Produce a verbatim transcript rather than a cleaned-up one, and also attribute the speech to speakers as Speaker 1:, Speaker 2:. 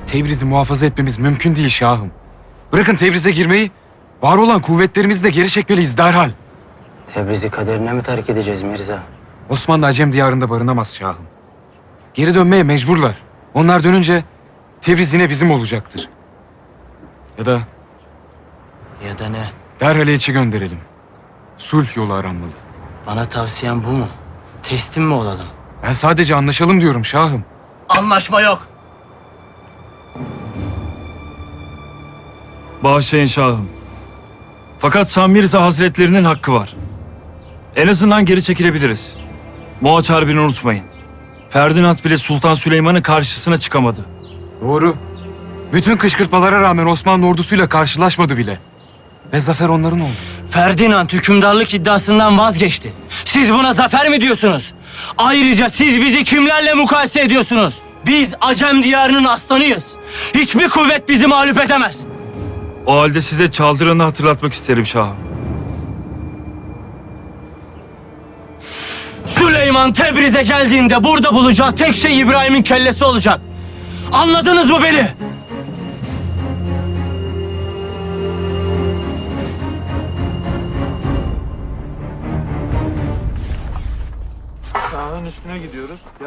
Speaker 1: Tebriz'i muhafaza etmemiz mümkün değil şahım. Bırakın Tebriz'e girmeyi, var olan kuvvetlerimizi de geri çekmeliyiz derhal.
Speaker 2: Tebriz'i kaderine mi terk edeceğiz Mirza?
Speaker 1: Osmanlı Acem diyarında barınamaz şahım. Geri dönmeye mecburlar. Onlar dönünce Tebriz yine bizim olacaktır. Ya da
Speaker 2: Ya da ne?
Speaker 1: derhal elçi gönderelim. Sulh yolu aranmalı.
Speaker 2: Bana tavsiyen bu mu? Teslim mi olalım?
Speaker 1: Ben sadece anlaşalım diyorum şahım.
Speaker 2: Anlaşma yok.
Speaker 3: Bağışlayın şahım. Fakat Sam Mirza Hazretlerinin hakkı var. En azından geri çekilebiliriz. Moğaç Harbi'ni unutmayın. Ferdinand bile Sultan Süleyman'ın karşısına çıkamadı.
Speaker 1: Doğru. Bütün kışkırtmalara rağmen Osmanlı ordusuyla karşılaşmadı bile. Ve zafer onların oldu.
Speaker 2: Ferdinand hükümdarlık iddiasından vazgeçti. Siz buna zafer mi diyorsunuz? Ayrıca siz bizi kimlerle mukayese ediyorsunuz? Biz Acem diyarının aslanıyız. Hiçbir kuvvet bizi mağlup edemez.
Speaker 3: O halde size çaldıranı hatırlatmak isterim şahım.
Speaker 2: Süleyman Tebriz'e geldiğinde burada bulacağı tek şey İbrahim'in kellesi olacak. Anladınız mı beni?
Speaker 4: Dağın üstüne gidiyoruz.